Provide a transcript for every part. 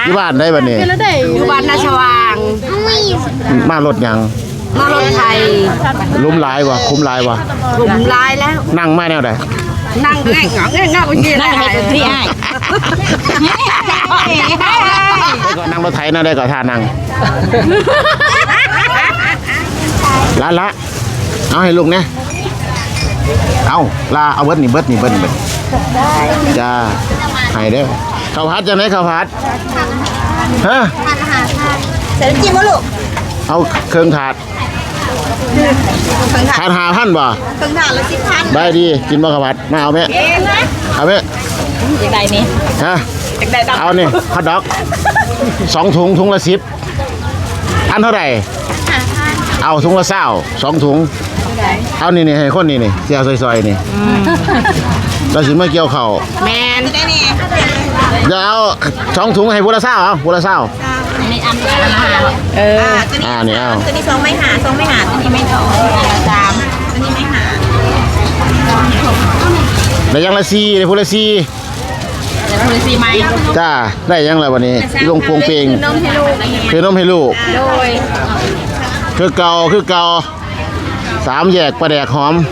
ที่บ้านได้บัดนี้อยู่บ้านนาชวางมารถยังมารถไทยลุ้มหลายว่ะคุ้มหลายว่ะหลุมลายแล้วนั่งมาแนวใดนั่งแง่งแง่งคนเดียวนั่งให้คนที่ให้ได้ก่อนนั่งรถไถนะได้ก่อนท่านั่งละเอาให้ลุงเนี่ยเอาลาเอาเบิดนี่จ้าให้เด้อข้าวผัดจะไหนข้าวผัดฮะเสร็จจิ้มวะลูกเอาเครื่องถาดถาด5,000บ่ถึงถาดละ10,000 ได้ดีกินบ่ข้าวผัดมาเอาไหมเอาไหมอย่างไรนี่ฮะอย่างไรดำเอานี่ฮอทดอก2 ถุงละ10อันเท่าไหร่เอาถุงละ20 2 ถุงเอานี่ให้คนนี่เสียซอยๆนี่เราสิมาเกี่ยวข้าวแมนได้นี่เดี๋ยวเอา2 ถุงให้ผู้ละ20เอาผู้ละ20 อันนี้อันนี่เอาตัวนี้2ไม่หา2ไม่หาตัวนี้ไม่ถอ3ตัวนี้ไม่หาได้ยังละ4ได้ผู้ละ4 เดี๋ยวคุณซีไหมจ้าได้ยังละวันนี้ลงโปงเปงนมให้ลูกคือนมให้ลูกโดยคือเก่า3แยกปลาแดกหอม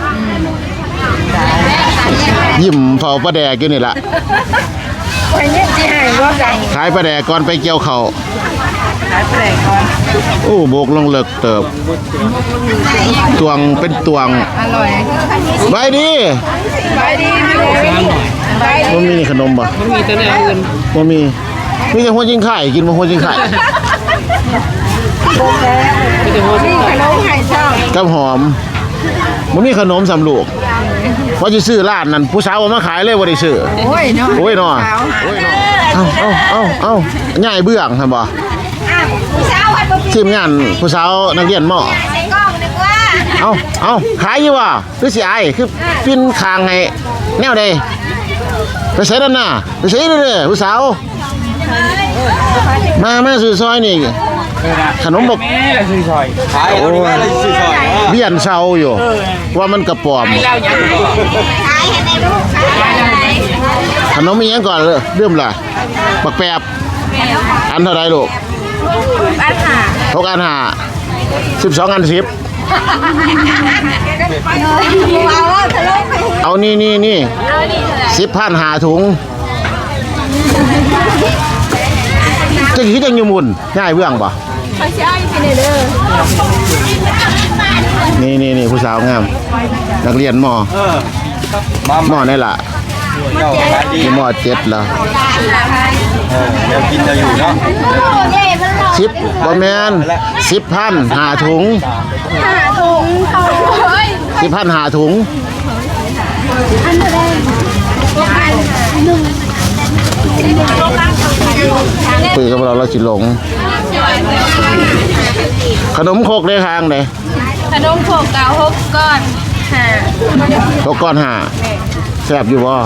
ยิ้มเฝ้าปลาแดกอยู่นี่ล่ะไปเนี่ยจีหายว่าจังขายปลาแดกก่อนไปเกี่ยวข้าวขายแปลกก่อนโอ้โบกลงเลิกเติบตวงเป็นตวงอร่อยไปดีไปดีไปดีมันมีขนมบ่มันมีแต่แนวอื่นมันมีแต่หัวจิงไข่กินมาหัวจิงไข่มีแต่หัวชิ้นขนมไข่ชอบกับหอมมันมีขนมสำลูกว่าจะซื้อร้านนั้นผู้สาวเอามาขายเลยว่าได้ซื้อโอ้ยเนาะโอ้ยเนาะเอาง่ายเบื้องครับบ่ผู้สาววัดบ่ทีมงานผู้สาวนักเรียนหม้อใส่กล้องดีกว่าเอาขายอยู่ว่ะคือสิอายคือปิ้นคางให้แนวใดไปใส่ด้านหน้าไปใส่เด้อผู้สาวมาซื้อซอยนี่ขนมบกแม่ละซื้อซอยขายเอาดิแม่ละซื้อซอยเบี้ยนเซาอยู่ ว่ามันกระป๋อมแล้วยังขายให้ในลูกขายให้ขนมมีหยังก่อนเลยเริ่มล่ะบักแปบอันเท่าไรลูกบ้านหา 6 อัน12 อัน10 เอาว่าทะลุไปเอานี่10,000หาถุงจะคิดจังอยู่มุนง่ายเบื้องป่ะเขาใช้ไปเด้อนี่ผู้สาวงามนักเรียนมอ มอนี่ล่ะเจ้าขายดีมอ7แล้วเดี๋ยวกินจะอยู่เนาะเย่มันหลอก 10บ่แม่น10,000หาถุงหาถุงเขาเฮ้ย 10,000หาถุงคุยกับเราสิหลง ขนมโคกได้ทางเลยขนมโขกเก่า6ก้อน 6 ก้อนหาแซ่บอยู่บ่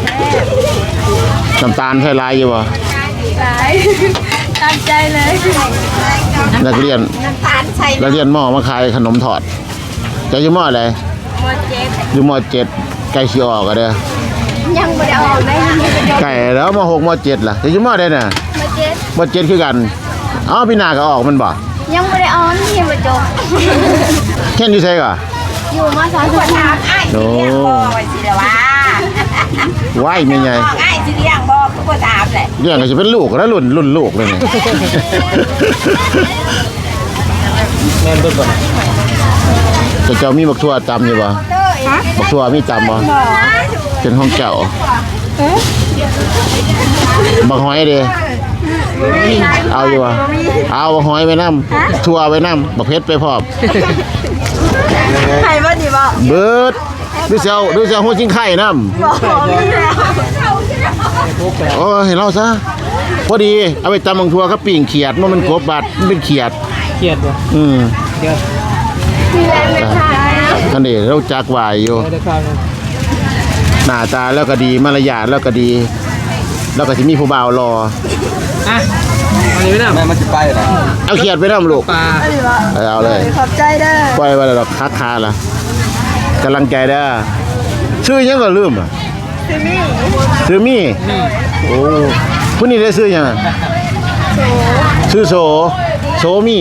น้ำตาลใส่ลายอยู่บ่หลายตามใจเลยนักเรียนน้ำตาลใส่นักเรียนมอมาขายขนมถอดจะอยู่มออะไรหมดเจ็ดอยู่ม7ใกล้สิออกอะเด้อยังไม่ได้ออกได้ยังไม่ได้ไก่แล้วม6ม7ล่ะจะอยู่มอได้น่ะหมดเจ็ดม7คือกันอ๋อพี่นาก็ออกมันบ่ยังไม่ได้ออนยังไม่จบแค่นอยู่ไสก่ออยู่มา2 คนถามไอ้สิเลี้ยงบ่ไว้สิเด้อว่าว้ายแม่ใหญ่ไอ้สิเลี้ยงบ่คือบ่ถามแหละเรื่องก็จะเป็นลูกแล้วรุ่นลูกเลยนี่แม่นเบิ่งก่อนแต่เจ้ามีบักทั่วตำอยู่บ่บักทั่วมีตำบ่เป็นห้องเจ้าบักหอยเด้เอาอยู่บ่เอาบักหอยไปนำทั่วไปนำบักเพชรไปพร้อมใครบ่ดีบ่เบิดดูเจ้าหัวจิงไข่นำบ่มีแล้วโอ้เห็นเราซะพอดีเอาไปตำบักทั่วกับปิ่งเขียดมันกบบาดมันเป็นเขียดเครียดบ่ เครียดมีแรงไม่ทันท่านนี่เราจักวายอยู่ได้ข้าวนึงหน้าตาแล้วก็ดีมารยาทแล้วก็ดี แล้วก็สิมีผู้บ่าวรออ่ะอันนี้ไม่ได้แม่มันจะไปเหรอเอาเขียดไปนำลูกปลาเอาเลยขอบใจเด้อปล่อยไว้แล้วดอกคักคาล่ะกำลังใจเด้อชื่อหยังก็ลืมอ่ะชื่อมี่โอ้ผู้นี้ได้ชื่อหยังอะชื่อโสมี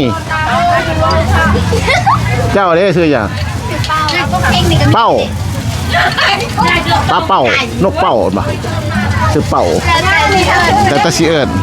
เจ้าเด้ชื่อหยังเป้าปลาเป้านกเป้าบ่ชื่อเป้าแต่ตะสิเอิ้น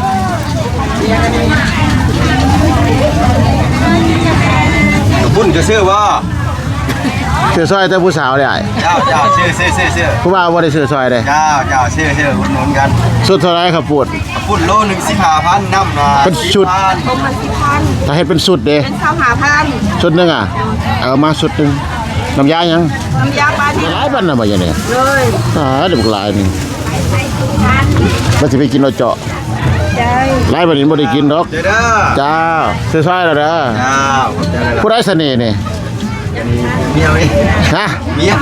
บุญจะซื้อว่าชื่อซอยแต่ผู้สาวได้เจ้าชื่อผู้บ่าวบ่ได้ชื่อซอยเด้เจ้าชื่ออุดหนุนกันสุดเท่าไรครับปูดบุญโลหนึ่ง15,000น้ำมาเป็นชุด ถ้าเฮ็ดเป็นสุดเด้เป็นข้าวหาพันสุดหนึงอ่ะเอามาสุดหนึงน้ำยายังน้ำยาปลาดิบหลายบันน่ะบ่อย่างนี้เลยเดี๋ยวบักหลายหนึงว่าสิไปกินเอาเจาะใจหลายบัดนี้บ่ได้กินดอกเด้อจ้าซื้อซอยแล้วเด้อเจ้าเจ้าผู้ใดเสน่ห์นี่เมียนี่ฮะเมีย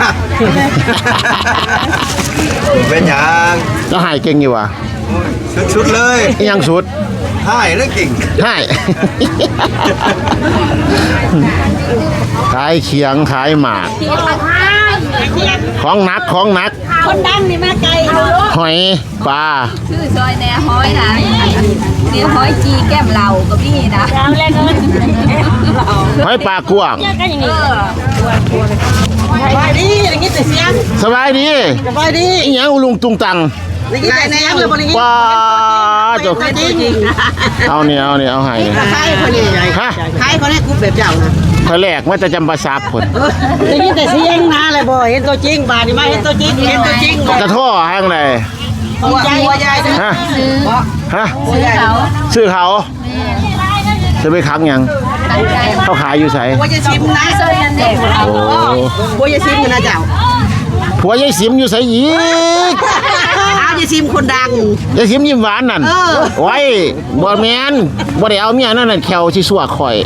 เป็นหยังแล้วหายเก่งอยู่วะชุดเลยอีหยังสุดให้แล้วกิ่งหาย ขายเขียงขายหมากที่ปลาข้างของหนักคนดังนี่มาไกลหอยปลาชื่อซอยแหน่ห้อยนะนี่ห้อยจีแก้มเหล่าก็มีนะแล้วแรกก็หอยปลากวางสบายดีอย่างนี้แต่เสียงสบายดีสบายดีอีหยังอุลุงตุงตังอย่างนี้แต่เสียงเลยบริษัทปลาจบจริงเอาเนี่ยเอาให้ใครคนนี้ฮะใครคนนี้กูแบบเจ้านะคอยแรกว่าจะจำปาสักคนอย่างนี้แต่เสียงนะเลยบ่เห็นตัวจริงบาดนี่มาเห็นตัวจริงเลยกระท่อห้างไหนหัวใหญ่ฮะฮะหัวใหญ่ชื่อเขาจะไปค้างยังเขาขายอยู่ไสหัวจะชิมนะโอ้หัวจะชิมนะเจ้าผัวยายสิมอยู่ไสอีกเอาจะชิมคนดังยายสิมยิ้มหวานนั่นไว้บ่แม่นบ่ได้เอาเมียนั่นน่ะแขวสิสัวข่อย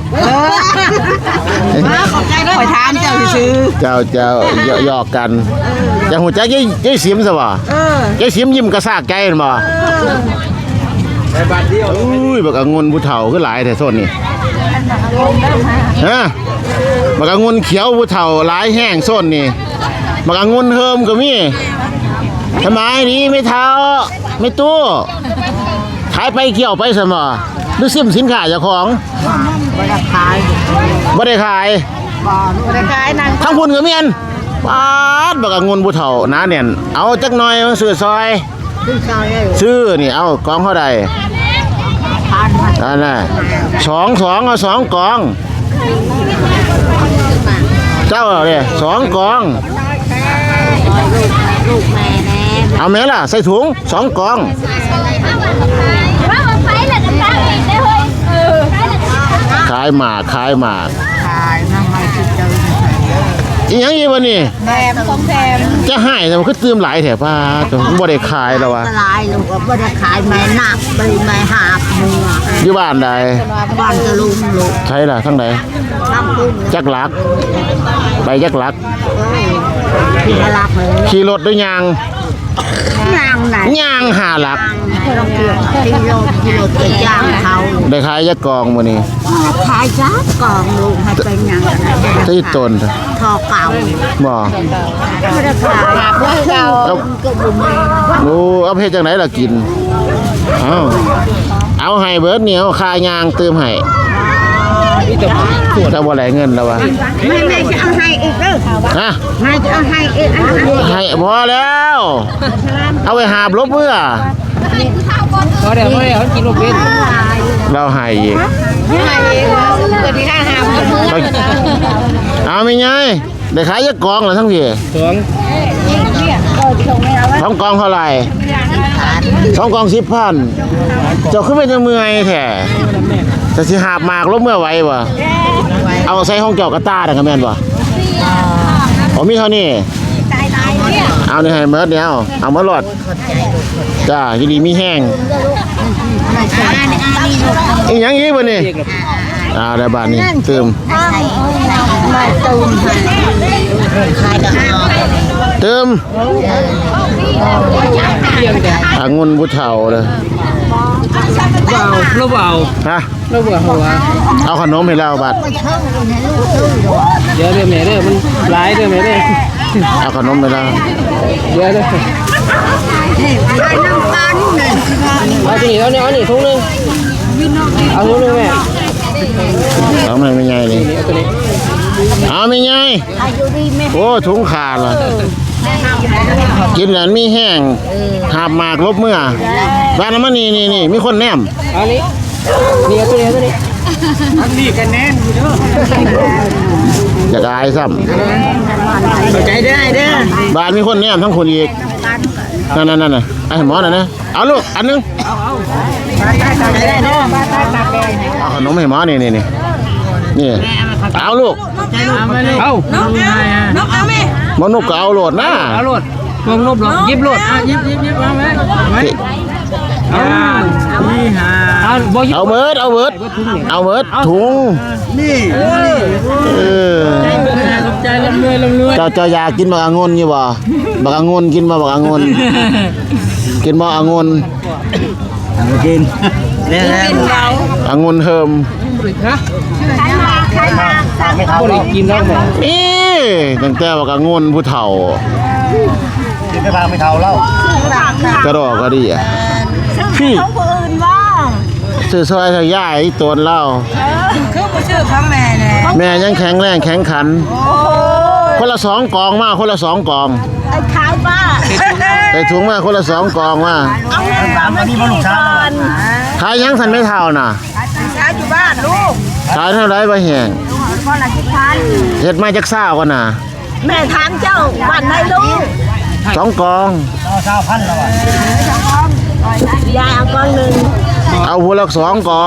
ขอบใจด้วยคอยถามเจ้าซื้อเจ้าหยอกกันจังหูจักยายสิมซะบ่ยายสิมยิ้มกระซากใจนั่นบ่ในบ้านเดียวอุ้ยบักองุ่นผู้เฒ่าคือหลายแท้โซนนี่ฮะบักองุ่นเขียวผู้เฒ่าหลายแห้งโซนนี่บักองุ่นเฮิมก็มีทำไมนี่ไม่เฒ่าไม่ตู้ขายไปเกี่ยวไปซะบ่หรือซิมสินค้าเจ้าของบ่ได้ขายบ่ได้ขายบ่ได้ขายนางทั้งคุณก็เมียนปาดบักองุ่นผู้เฒ่าหนาแน่นเอาจักหน่อยมาซื้อซอยขึ้นซอยเลยซื้อนี่เอากองเท่าใดพันนั่นน่ะสองเอาสองกอง เจ้าเนี่ยสองกองลูกแม่แน่เอาแม่ล่ะใส่ถุงสองกอง ขายหมากขายน้ำไม่คิดเจออีหยังอีวะนี่แถมของแถมจะให้แต่มันก็เติมหลายแถบป้าตัวบ่ได้ขายแล้ววะลายลูกก็บ่ได้ขายแม่นักบริแม่หาบมืออยู่บ้านใดบ้านจะลุงลูกใช่ล่ะทั้งใดน้ำพึ่งจักหลัก ไปจักหลักที่มาลักเลยขี่รถด้วยยางยางไหนยางหาหลักเราเกี่ยวที่โลจะย่างเขาได้ขายจักกองมื้อนี้ขายจ้ากองลูกให้เป็นยังที่ต้นทอเก่าบ่ไม่ได้ขายเพื่อเก่าเอาโอ้เอาเพชรจังไหนล่ะกิน เอาให้เบิดเหนียวค่ายางเติมให้ถ้าบ่ได้เงินแล้ววะไม่จะเอาให้อีกเด้อฮะไม่จะเอาให้อีกให้พอแล้ว เอาไปหาบลบเมื่อพอเดี๋ยวกินลูกเป็นเราให้อีกให้อีกเกิดที่ข้างหามเอาไม่ไงได้ขายยักกองเหรอทั้งพี่สอง 2กองเท่าไหร่2กอง10,000เจ้าขึ้นไปจะเมื่อยแท้จะสิหาบหมากลบเมื่อไหวบ่เอาใส่ห้องเกี่ยวกับตาได้ก็แม่นบ่อ๋อมีเท่านี้เอานี่ให้เมิดเนี่ยเอามาหลอดจ้ายินดีมีแห้งอีหยังอีกบ่นี่ได้บาทนี้เติมมาตูมขายดอกเติมองุ่นผู้เฒ่าเลยเราเบาฮะเราเบาหัวเอาขนมให้เราบัดเดี๋ยวแม่เด้อมันหลายเด้อแม่เด้อเอาขนมให้เราเดี๋ยวเด้อขายน้ำตาลนี่เอาที่นี่เอานี่ทุ่งนึงวินโนเอาลูกแม่เอาไม่ใหญ่เลยเอาไม่ใหญ่โอ้ถุงขาดเลยกินแล้วมีแห้งหาบหมากลบเมื่อบ้านน้ำมันนี่มีคนแนมเอานี้นี่เอาตัวนี้อันนี้กันแน่นอยู่เด้ออยากอายซ้ใจได้เด้อำบ้านมีคนแนมทั้งคนอีกนั่นไอ้หมอน่ะนะเอาลูกอันนึงได้เด้อเอาขนมให้หมอนี่เอาลูกเอาน้องเอาไหมหมอนุกก็เอาโหลดนะเอาโหลดมองนบหรอยิบโหลดยิบเอาไหมนี่ฮะเอาบ่ยิบเอาเบิดถุงนี่สนใจลำรวยเจ้าอยากกินบักองุ่นอยู่บ่บักองุ่นกินบ่บักองุ่นกินบ่องุ่นกินเนี่ยองุ่นเฮิมฮะใครมาไม่เท่าบ่ได้กินแล้วแม่นี่ตั้งแต่บักองุ่นผู้เฒ่ากินไม่พาไม่เท่าแล้วกระดอกก็ดีอ่ะซื้อของคนอื่นบ้างซื้อซอยทะยายตนเล่าคือบ่ซื้อของแม่เลยแม่ยังแข็งแรงแข็งขัน คนละ2 กองมาคนละ2 กองไอ้ขายป้าใส่ถุงมาคนละ2 กองมาเอาเงินมาไม่กินก่อนขายยังสันไม่เท่าน่ะขายอยู่บ้านลูกขายเท่าไรบ่แห้งคนละ10,000 เฮ็ดมาจักซ่าก่อนน่ะแม่ถามเจ้าบ้านไหนลูก 2 กอง 20,000แล้วอ่ะยายเอาก้อนหนึ่งเอาหัวละ2 กอง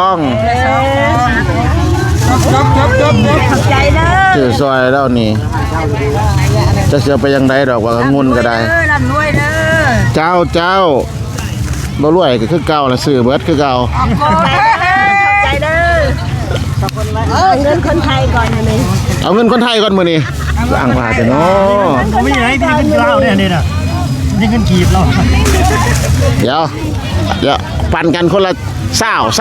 ขอบใจเด้อซื้อซอยแล้วนี่จะเสียไปยังไดดอกว่างุ่นก็ได้ลำรวยเด้อเจ้าบ่รวยก็คือเก่าล่ะซื้อเบิดคือเก่าขอบใจเด้อเงินคนไทยก่อนนะนี่เอาเงินคนไทยก่อนมื้อนี้สร้างว่าแต่เนาะผมไม่ไหนที่เป็นเหล้าเนี่ยนี่น่ะนี่เงินกีบเราเดี๋ยวปั่นกันคนละ20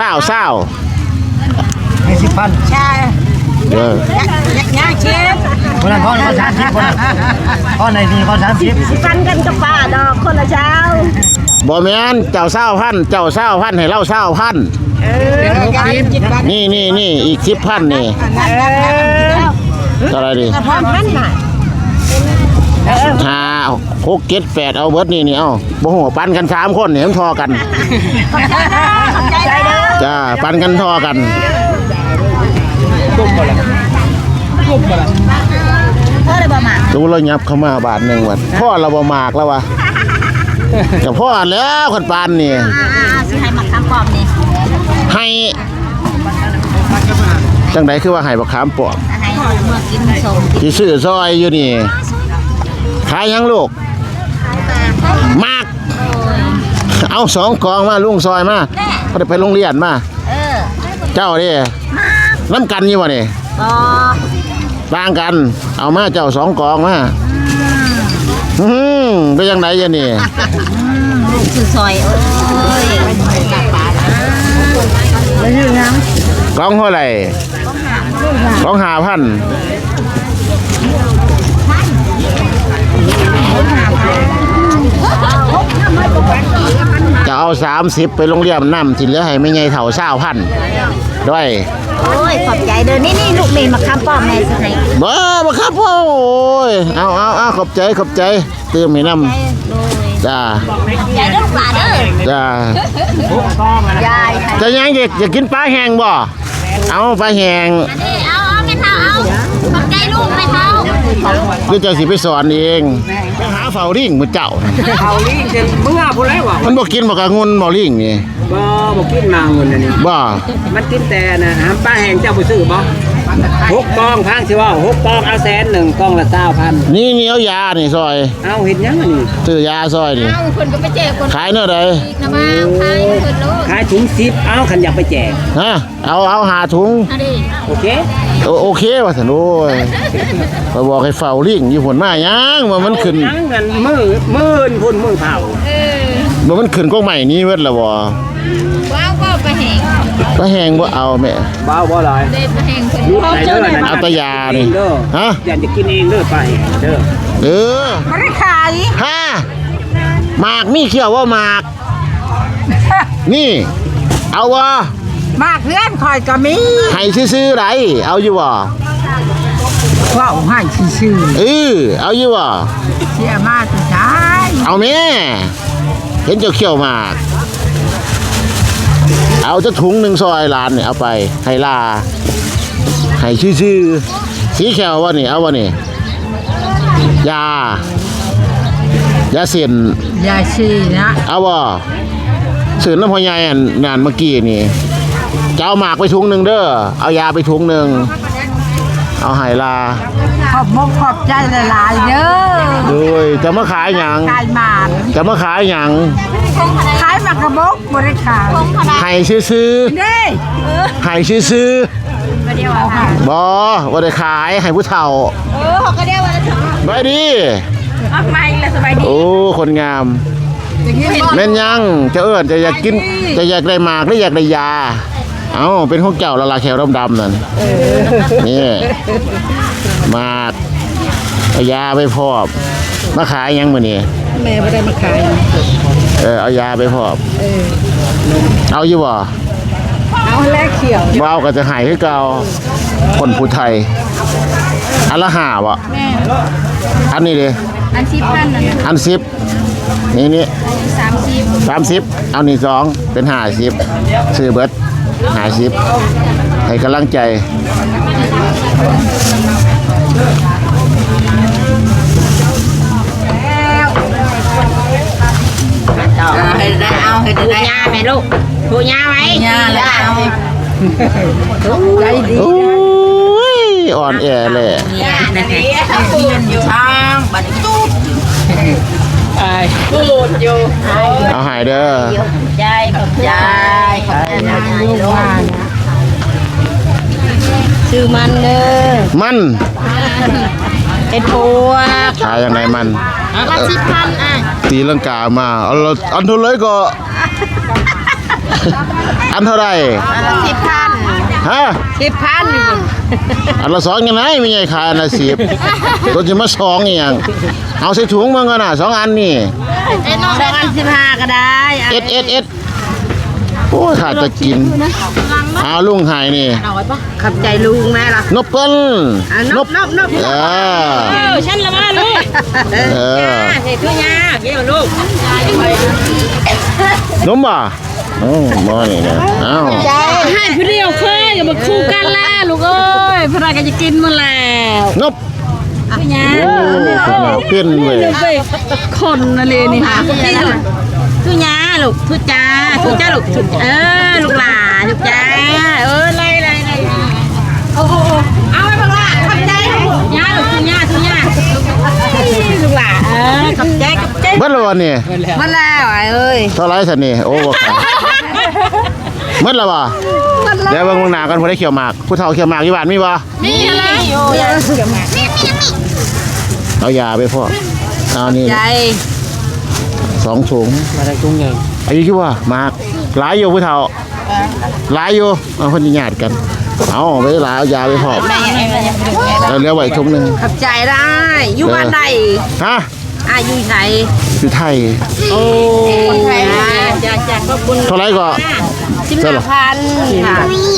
ให้10,000 ใช่เด้อยักษ์เชฟคนนั้นคน30คนนั้นคนไหนนี่คน30 สิปันกันกับป้าดอกคนละเช้าบ่แม่นเจ้า20,000เจ้า20,000ให้เรา20,000 นี่อีก10,000นี่เท่าไหร่ดิพร้อมพันน่ะ 6 7 8เอาเบิดนี่เอาบ่ฮู้ปั่นกัน3 คนนี่มันทอกันขอบใจเด้อจ้าปั่นกันทอกันเพื่ออะไรบ่มาดูเรายับเข้ามาบาทหนึงวัดพ่อเราบ่มากแล้ววะแต่พ่อแล้วคนปานนี่สิให้มาคำปอมนี่ให้จังไดคือว่าให้บักขามปลอมให้เมื่อกินสมที่ซื้อซอยอยู่นี่ขายยังลูกมากเอา2 กองมาลุงซอยมาบ่ได้ไปโรงเรียนมา เจ้าดิน้ำกันอยู่บ่นี่บ่ต่างกัน เอามาเจ้า2 กองมาเป็นยังไงยะนี่ลูกซื้อซอยโอ้ยไม่ยืนนะกองเท่าไหร่กอง5,000จะเอา30ไปโรงเรียนน้ำที่เหลือให้ไม่ใหญ่เท่า20,000ด้วยโอ้ยขอบใจเด้อนี่ลูกนี่มาคำปอมแม่สิให้บ่ครับพ่อโอ้ยเอาขอบใจเติมให้น้ำจ้าใจเด้อป่าเด้อจ้ายายจะยังเด็กอยากกินปลาแห้งบ่เอาปลาแห้งเอาไม่เท่าเอาขอบใจลูกไม่เท่าหรือเจ้าสิไปสอนเองไปหาเฝ้าลิงมื้อเจ้าเอาลิงจะเมื่อพุ่นแล้วว่ะมันบ่กินบ่กะงุนบ่ลิงนี่บ่กินมาเงินอันนี้บ่มันกินแต่นะหามป้าแห้งเจ้าไปซื้อบ่6 กองพังสิว่า6 กองเอา100,000 กองละ20,000 นี่เอายานี่ซอยเอาเห็นยังอันนี้ซื้อยาซอยนี่เอาคนก็ไปแจกคนขายเท่าใดนะมาใครคนลูกขายถุง10เอาคันอยากไปแจกฮะเอาหาถุงอันนี้โอเคโอเคว่าซั่นโอ้ยไปบอกให้เฝ้าลิงอยู่พุ่นมายังว่ามันขึ้นยังกันมื้อพุ่นมื้อเผาบ่มันขึ้นกองใหม่นี้เบิดแล้วบ่ว้าวก็ไปแหงปลาแห้งบ่เอาแม่บ้าบ่หลายเด็ดไปแหงคนลูกไหนเด้อนั่นเอาแตะยานี่ฮะอยากจะกินเองเด้อป้าแห้งเด้อเออไม่ได้ขายฮะหมากมีเขียวว่าหมาก นี่ เอาวะมากเพื่อนคอยก็มีให้ซื้อๆไรเอาอยู่บ่ว่าให้ชื่อเอาอยู่บ่เสียมากสุดท้ายเอาแม่เห็นเจ้าเขี้ยวหมากเอาจะถุงหนึ่งซอยล้านเนี่ยเอาไปให้ลาให้ชื่อๆสีแขววะนี่เอาวะนี่ยาเส้นอย่าชี้นะเอาบ่สื่อน้ำพอยายนานเมื่อกี้นี่จะเอาหมากไปถุงหนึ่งเด้อเอายาไปถุงหนึ่งเอาไหลาขอบมกขอบใจหลายๆเด้อโดยจะมาขายหยังขายหมากจะมาขายหยังขายหมากกระบกบริขายให้ซื้อเด้ๆให้ซื้อๆบ่ว่าได้ขายให้ผู้เฒ่าเขาก็เรียกว่าจะไปดีทำไมล่ะสบายดีโอ้คนงามแม่นยังจะเอิ้นจะอยากกินจะอยากได้หมากหรืออยากได้ยาเอ้าเป็นของเจ้าละลาแขวดำๆนั่นนี่หมากเอายาไปพอบมาขายยังมื้อนี้แม่ไม่ได้มาขายเอายาไปพอบเอาอยู่บ่เอาแลกเขียวบ่เอาก็จะหายคือเก่าคนผู้ไทยอันละ5บ่อันนี้ดิอัน10,000นั่นน่ะอัน10นี่30เอานี่2เป็น50ซื้อเบิด50ให้กำลังใจให้ได้เอาให้ได้ยาไหมลูกถูยาไหมยาแล้วเอาใจดีโอ้ยอ่อนแอเลยยาเนี่ยยืนอยู่ทางบัดจุ๊บพูดอยู่เอาหายเด้อใจกับใจลูกว่าชื่อมันเด้อมันเป็นพวกขายยังไงมันละ10,000อ่ะตีลังกามาเอาละอันเท่าไรก็ อันเท่าไรละ10,000 ฮะ 10,000 อันละ2ยังไงไม่ใช่ขายอันละ10ตัวจะมา2อีหยังเอาใส่ถุงมึงกันน่ะ2อันนี่ 15ก็ได้เอ็ดโอ้ยขาดจะกินเอาลุงหายนี่ขับใจลุงแม่ล่ะนบเปิ้ลนบฉันละมาลูกเออเฮ็ดคือยากเด้อลูกนมบ่โอ้บ่นี่เด้อเอ้าให้พี่เดียวเคยกับมาคู่กันล่ะลูกเอ้ยพระก็จะกินมาแล้วนบพี่ยาโอ้เปลี่ยนเว้ยไปคนนั่นเลยนี่ค่ะทุยาลูกทุจ้าลูกลูกหลาลูกจ้าไล่โอ้โหเอาไปบังละขับใจยาลูกทุยาลูกหลาขับใจเบิดแล้วบ่นี่มาแล้วเอ้ยเท่าไรสันนี่โอ้บ่ขายเบิดแล้วบ่เดี๋ยวเบิ่งหน้ากันผู้ได้เขียวหมากผู้เฒ่าเขียวหมากอยู่บ้านมีบ่นี่อะไรอยู่เอายาไปพอกเอานี่ใจ 2ถุงมาได้กุ้งใหญ่อายุกี่ว่าหมากหลายอยู่ผู้เฒ่าหลายอยู่เอาคนญาติกันเอาไปหลายเอายาไปพอกแล้วเหลือไว้ถุงหนึงขับใจได้อยู่บ้านใดฮะอยู่ไหนอยู่ไทยโอ้คนไทยจากขอบคุณเท่าไรก็เท่าไหร่ 15,000ค่ะ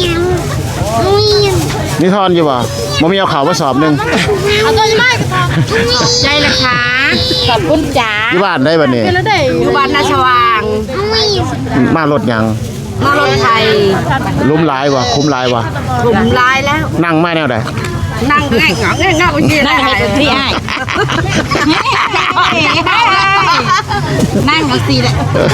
นี่ทอนอยู่บ่บ่มีเอาข้าวมาสอบหนึงเอาตัวนี้มาใจละค่ะขอบคุณจ๋าอยู่บ้านได้บัดนี้อยู่บ้านนาชว่างมารถหยังมารถไทยลุ้มหลายบ่คุ้มหลายบ่ผมลายแล้วนั่งมาแนวใดนั่งแง่งเงี้ยนั่งให้พี่ให้นั่งเอาสิแหละ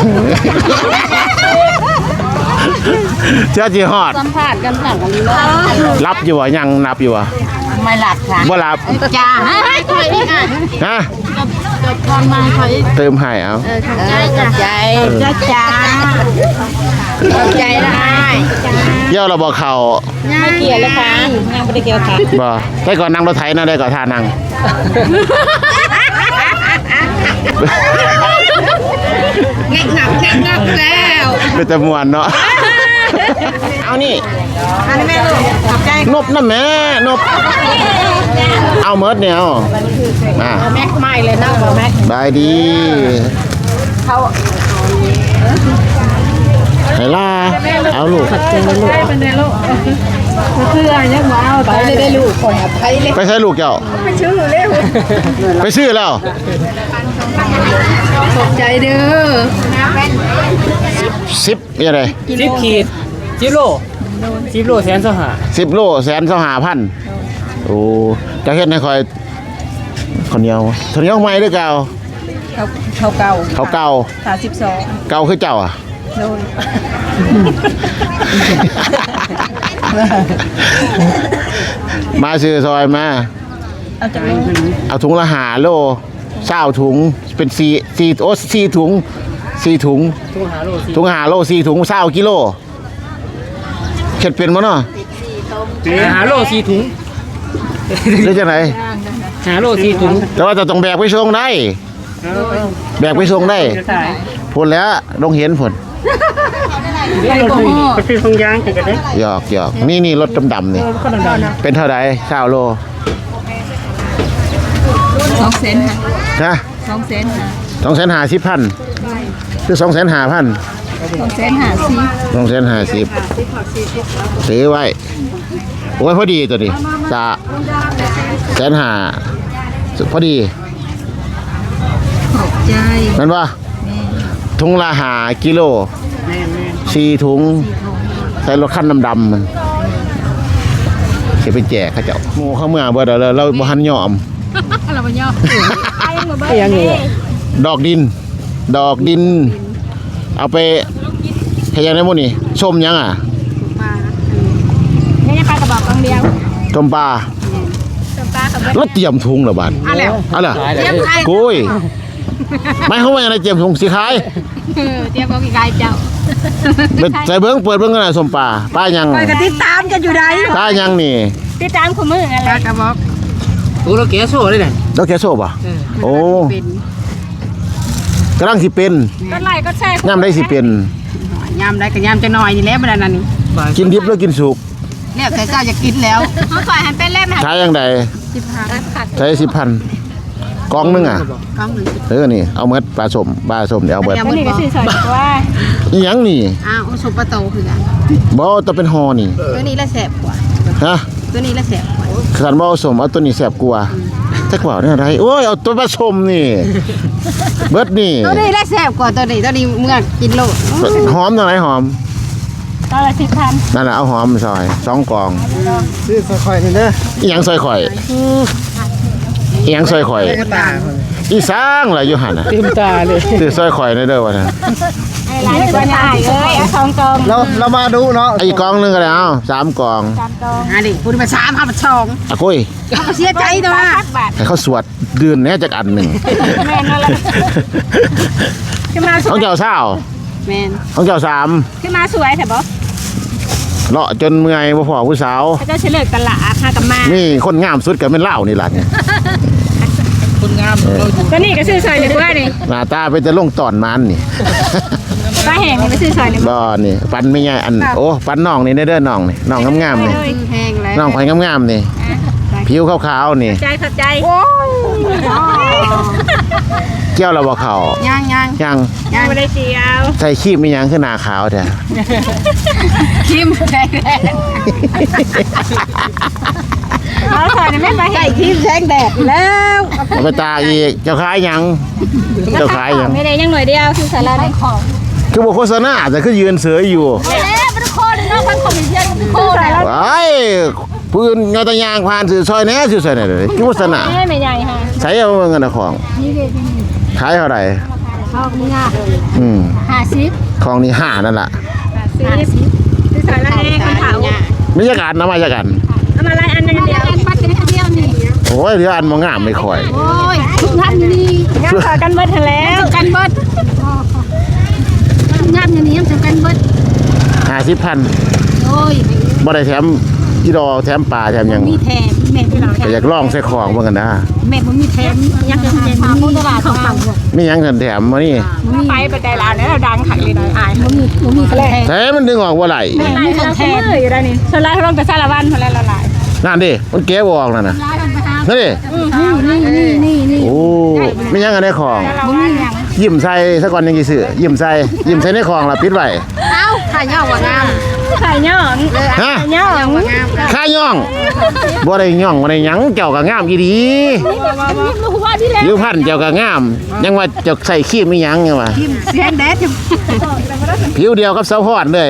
เจ้าจีฮอดสัมผัสกันสั่งกันเลยรับอยู่บ่ยังนับอยู่บ่ไม่หลับค่ะบ่รับจ้าให้คอยอีกอ่ะฮะจบก่อนมาคอยอีกเติมให้เอาใจจ้าใจได้เกี่ยวเราบ่เข้าไม่เกี่ยวเลยค่ะยังไม่ได้เกี่ยวค่ะบ่ได้ก่อนนั่งรถไถนะได้ก่อนท่านั่งแง่งงับแล้วเป็นตะมวนเนาะเอานี่อันนี้แม่ลูกขอบใจนบนะแม่นบเอาเมิดเนี่ยเอามาแม็กไม่เลยนะแม็กบายดีเขาให้ล่าเอาลูกไปเลยได้ลูกคนอ่ะไปเลยไปใช้ลูกเจ้าไปซื้อเร็วไปซื้อแล้วขอบใจเด้อ 10ยังไง 10 ขีด10 โลแสนสหา 10 โลแสนสหาพันโอ้จะเฮ็ดให้คอยข้าวเหนียวใหม่หรือเก่าเขาเก่าเขาเก่า 32 เก่าคือเจ้าอ่ะโดนมาซื้อซอยมาเอาจังเลยเอาถุงละ5 โล20ถุงเป็น4ถุง4ถุงทุกหาโล 4ถุง20กิโลเข็ดเป็นบ่เนาะหาโล4 ถุงหรือจังได๋หาโล4 ถุงแต่ว่าจะต้องแบกไปส่งได้แบกไปส่งได้พุ่นแล้วลงเห็นพุ่นไปซื้อทงยางกันได้หยอกนี่รถดำๆนี่เป็นเท่าใด20โล 2เซนค่ะนะ 2เซนค่ะ 250,000คือ250,000 2เซนหาสิ 250ซื้อไว้โอ้ยพอดีตัวนี้จะ150,000พอดีขอบใจนั่นว่าถุงละ5 กิโล4 ถุงใส่รถคันดำๆมันจะไปแจกเขาเจ้าหมู่เขาเมื่อเบิดแล้วเราบ่ทันยอมเราบ่ยอมยังอยู่ดอกดิน เอาไปเฮ็ดหยังได้หมื้นี่ส้มหยังอ่ะนี่จะปลากระบอกกองเดียวต้มปลาปลากับแล้วเตรียมถุงเหรอบาดเอาล่ะกุ้ยไม่เขาว่าอย่างไรเตรียมถุงสิขายเตรียมกองกี่ไก่เจ้าใส่เบิ่งเปิดเบิ่งกันน่ะส้มปลาหยังไปกันติดตามกันอยู่ใดปลาหยังนี่ติดตามคู่มืออะไรกระบอกตัวเราแกโซ่เลยน่ะดอกแคโซ่ป่ะโอ้กำลังสิเป็นก็ไล่ก็แช่ย่ำได้สิเป็นยามได้ก็ยามจะน้อยนี่แหละบ่ได้นั่นนี่กินดิบหรือกินสุกแล้วแต่เจ้าจะกินแล้วเขาปล่อยให้เป็นเล่มใช้ยังได 15 ใช้10,000กองนึงอ่ะกล่องหนึงนี่เอาเมดปลาส้มเดี๋ยวเอาเบิดแล้วนี่ก็ซื้อสอยว่าอีหยังนี่อ้าวสุปปะโตคือกันบ่ต้องเป็นฮอนี่ตัวนี้ละแสบกว่าฮะตัวนี้ละแสบกว่าขันบ่เอาสมเอาตัวนี้แซ่บกว่าจักว่าเนี่ยอะไรโอ้ยเอาตัวผสมนี่เบิดนี่ตัวนี้ละแสบกว่าตัวนี้เมื่อกินโลดหอมตรงไหนหอมตอนละ10,000 นั่นน่ะเอาหอมซอย2กล่องซื้อค่อยๆนี่เด้ออีหยังซอยข่อยอีหยังซอยข่อยตาอีสร้างล่ะอยู่หั่นน่ะเต็มตาเลยซื้อซอยข่อยในเด้อว่าซั่นไอ้หลานตัวนี้เอ้ยเอา2กองเรามาดูเนาะอีกกล่องนึงก็ได้เอา3กล่อง 3กองอันนี้พูดมา3เอามา2 อะกุ้ยเขาเสียใจตัวบาทให้เขาสวดเดือนแหน่จักอันหนึงแม่นแล้วขึ้นมาสขวอย งเจ้าสาวแม่นของเจ้าขึ้นมาสวยแต่บ่ 3เลาะจนเมื่อยบ่พอผู้สาวเขาจะเฉลิมตลาดหากับมานี่คนงามสุดก็เป็นเหล้านี่ล่ะเนี่ยคนงามเราอยู่ตัวนี้ก็ซื้อสอยเลยว่านี่หน้าตาเป็นแต่ลงตอนมันนี่ปลาแห้งนี่ไปซื้อสอยเลยบ่นี่ปันไม่ใหญ่อันโอ้ปันน้องนี่เด้อน้องนี่น้องงามๆนี่แห้งแล้วน้องข่อยงามๆนี่ผิวขาวๆนี่ใจเข้าใจเกี่ยวแล้วบ่เข้าย่างยังไม่ได้เจียวใส่ครีมมีหยังคือหน้าขาวแท้ชิมแห้งแดดเอาสอยนี่ไม่ไปใส่เห็นครีมแห้งแดดแล้วเอาไปตากอีกเจ้าขายหยังเจ้าขายหยังไม่ได้ยังหน่อยเดียวคือสาระในของคือบ่โฆษณาแต่คือยืนเสืออยู่แล้วเป็นโคตรเนาะทั้งคอมมิชชั่นโคตรแล้วไอ้ปืนเงาตะยางผ่านสื่อซอยแหน่สื่อซอยแหน่เลยคือโฆษณาไม่ใหญ่ค่ะใช้เอาเงินเอาของขายเท่าไหร่ชอบมึงอ่ะอืม 50 ของนี่5นั่นล่ะซื้อสอยละแห้งคนเผามีจักอันนะมาจักอันเอามาไล่อันนึงเดียวปัดกันเดียวนี่โอ้ยเดี๋ยวอันบ่งามไม่ค่อยโอ้ยทุกท่านอยู่นี่งั้นขอกันเบิดเถอะแล้วกันเบิดทุกท่านอยู่นี่ยังกันเบิด 50,000 โอ้ยบ่ได้แถมอีดอแถมปลาแถมหยังมีแถมแม่ที่เราก็อยากลองใส่ของเหมือนกันนะแม่บ่มีแถมยังจะแถมมีตลาดของเรามีหยังกันแถมมานี่ไปประใจลาวเนี่ยเราดังขังเลยนะอายบ่มีแถมแถมมันดึงออกบ่ไหลไม่ได้เราแทนอยู่แล้วนี่ส่วนไล่เขาลงแต่ซาลาวันคนละละลายนั่นดิมันแก้บ่ออกนั่นน่ะนั่นดินี่โอ้มีหยังกันในของบ่มีหยังยิ้มใส่ซะก่อนยังสิซื้อยิ้มใส่ในของล่ะปิดไว้เอ้าย่องว่างามขายย่องฮะย่องว่างามข้าย่องบ่ได้ย่องบ่ได้หยังเจ้าก็งามอีดีรู้ว่าที่แล้วผิวพรรณเจ้าก็งามยังว่าเจ้าใส่ครีมอีหยังยังว่าแสนแดดผิวเดียวกับเสาพอดเลย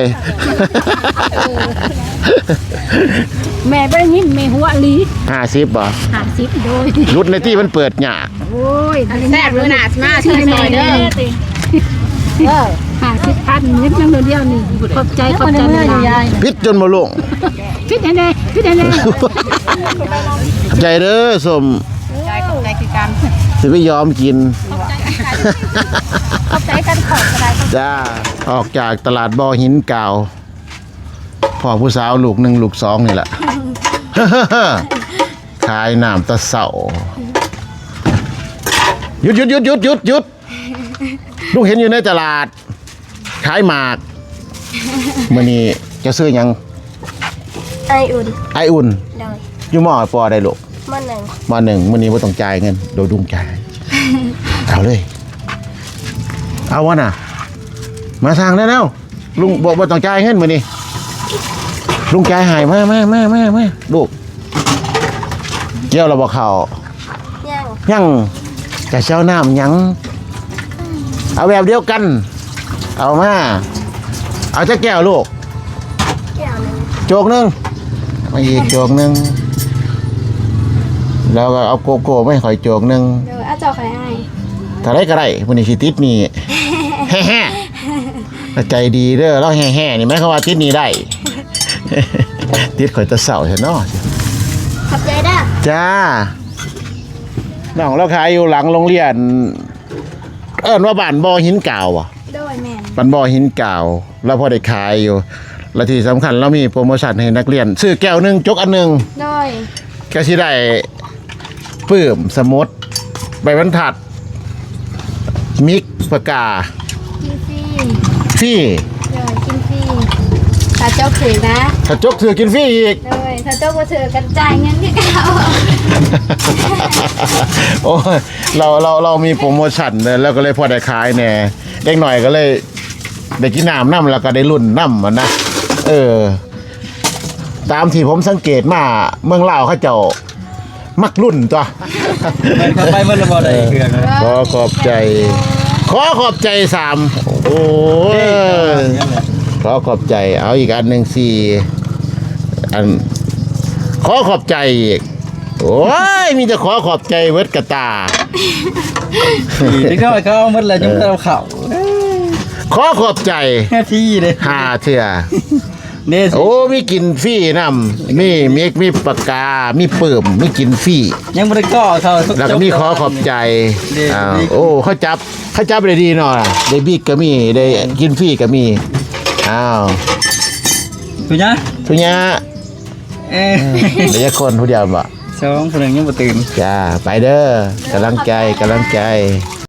แม่ไปยินแม่หัวลี 50บ่ 50โดยรุดในที่มันเปิดยากโอ้ยแซ่บเลยน่ะมาชื่อหน่อยเด้อ50,000นิดนึงเดียวนี่ขอบใจขอบใจยายพิษจนบ่ลงพิษแน่พิษแน่ขอบใจเด้อสมใจคือการสิไปยอมกินขอบใจกันขอบอะไรจ้าออกจากตลาดบ่อหินกาวพ่อผู้สาวลูก1ลูก2นี่แหละ ขายน้ำตะเสาหยุดลูกเห็นอยู่ในตลาด ขายหมากมื้อนี้จะซื้อหยังไออุ่นไออุ่นโดยอยู่มอปอได้ลูกมันหนึ่งมอ1มื้อนี้บ่ต้องจ่ายเงินโดยดุงจ่าย เอาเลย เอาวะน่ะ มาทางได้แล้วลุงบอกว่าต้องจ่ายเงินมื้อนี้ลุงจ่ายให้มาลูกเกี่ยวเราบ่เข้าย่างยังจะเช้าน้ำยังเอาแบบเดียวกัน เอามาเอาจะแก้วลูกแก้วหนึ่งโจกหนึงมาอีกโจกหนึงแล้วก็เอาโกโก้ไม่ข่อยโจกหนึงโดยอาจารย์ใครให้ถ้าได้ก็ได้วันนี้สิติดนี่ แฮ่ๆใจดีเด้อเราแฮ่ๆนี่ไหมเขาว่าติดนี่ได้ ติดข่อยตะเสาเห็นเนาะขอบใจเด้อจ้าน้องเราขายอยู่หลังโรงเรียน เอิ้นว่าบ้านบ่อหินกาวอ่ะโดยแมนบ้านบ่อหินกาวเราพอได้ขายอยู่และที่สำคัญเรามีโปรโมชั่นให้นักเรียน ซื้อแก้วหนึงจกอันหนึงโดยก็สิได้ปื้มสมุดใบบรรทัด มิกปากกากินฟรีฟรีโดยกินฟรีถ้าเจ้าถือนะถ้าจกถือกินฟรีอีกโดยถ้าเจ้าบ่ถือกันจ่ายเงินที่เขาโอ้ยเรามีโปรโมชั่นเลยแล้วก็เลยพอได้ขายแหน่เด็กหน่อยก็เลยได้กินน้ำน้ำแล้วก็ได้รุ่นน้ำมันนะตามที่ผมสังเกตมาเมืองลาวเขาเจ้ามักรุ่นตัวไปเมื่อเราบ่ได้เครื่องนะขอขอบใจ3โอ้ยขอขอบใจเอาอีกอันหนึ่ง4อันขอขอบใจอีกโอ้ยมีแต่ขอขอบใจเวทกระตาที่เขาเอาหมดแล้วยังเอาเข่าขอขอบใจแค่ที่เลย 5เถื่อเนี่ยโอ้มีกินฟรีน้ำมีปากกามีเปิ่มมีกินฟรียังไม่ได้ก่อเขาแล้วก็มีขอขอบใจนี่อ้าวนี่โอ้เขาจับได้ดีหน่อยได้บิ๊กก็มีได้กินฟรีก็มีอ้าวถูกยังทุกอย่างเหลือคนผู้เดียวบ่ 2คนหนึ่งยังบ่ตื่นจ้าไปเด้อกำลังใจ